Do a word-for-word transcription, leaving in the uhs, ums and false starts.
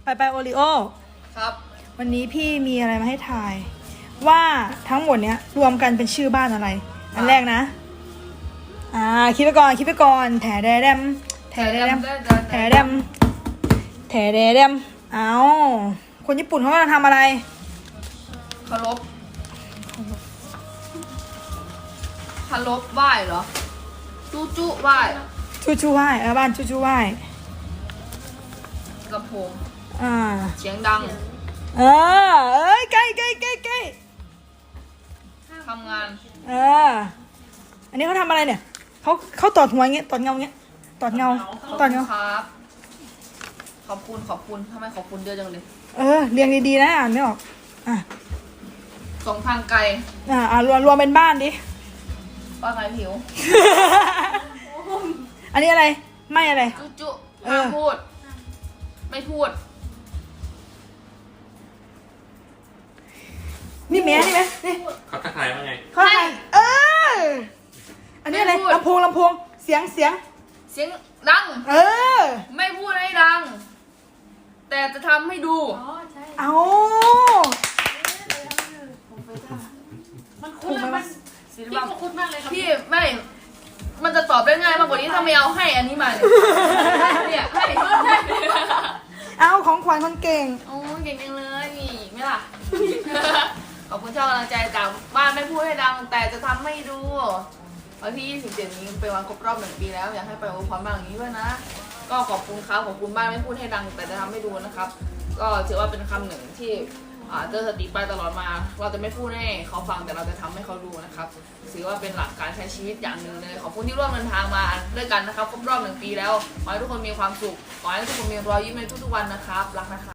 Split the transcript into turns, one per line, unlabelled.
ไปไปโอริโอ
ครับ
วันนี้พี่มีอะไรมาให้ทาย ว่าทั้งหมดเนี้ยรวมกันเป็นชื่อบ้านอะไร อันแรกนะ อ่าคิดไปก่อนคิดไปก่อนแถแดมแถแดมแถแดมแถแดมเอาคนญี่ปุ่นเขากำลังทำอะไร
เคารพเคารพไหว้เหรอจู้จู้ไหว้
ชูชูไหว้เออบ้านชูชูไหว้
ลำโพง
อ่า
เสียงดัง
เออเอ้ยใกล้ใกล้ใกล้ใกล้
ทำงาน
เอออันนี้เขาทำอะไรเนี่ยเขาเขาตอดหัวอย่างเงี้ยตอดเงาอย่างเงี้ยตอดเงาตอดเงา
ครับขอบคุณขอบคุณทำไมขอบคุณเยอะจังเลย
เออเรียงดีๆนะอ่านไม่ออกอ่ะ
ส่งทางไกล
อ่าอ่ารวมรวมเป็นบ้านดิ
ว่าไงผิว
อันนี้อะไรไม่อะไร
จู้จู้
เอ
ห้า
อ
มพูด ไม่พูด
นี่แม่นี่แม่นี่
เขาทักทายว่าไง
เขาอะไรเอออันนี้อะไร
ไม่พูด
ลำโพงลำโพงเสียงเสียง
เสียงดัง
เออ
ไม่พูดให้ดัง แต่จะทำให้ดู
เอา
มันคุ้นเลยมัน
ศิล
พี่
ปะ
ก็คุ้นมากเลยครับ
พี่ไม่ มันจะตอบได้ง่ายมากกว่านี้ถ้าไม่เอาให้อันนี้มาเนี่ยเนี่ยให้ให้
เอาของขวัญคนเก่ง
โอ้เก่งจังเลยนี่ไม่ล่ะ ขอบคุณชอบกำลังใจจากบ้านไม่พูดให้ดัง แต่จะทำให้ดูวันที่ยี่สิบเจ็ดนี้เป็นวันครบรอบหนึ่งปีแล้วอยากให้ไปอวยพรบ้างอย่างนี้ด้วยนะ ก็ขอบคุณครับขอบคุณบ้านไม่พูดให้ดัง แต่จะทำให้ดูนะครับ ก็ถือว่าเป็นคำหนึ่งที่อ่าเตือนสติไปตลอดมา เราจะไม่พูดให้เขาฟังแต่เราจะทำให้เขาดูนะครับถือว่าเป็นหลักการใช้ชีวิตอย่างหนึ่งเลยขอบคุณที่ร่วมเดินทางมาด้วยกันนะครับครบรอบหนึ่งปีแล้วขอให้ทุกคนมีความสุขขอให้ทุกคนมีรอยยิ้มในทุกๆวันนะครับรักนะคะ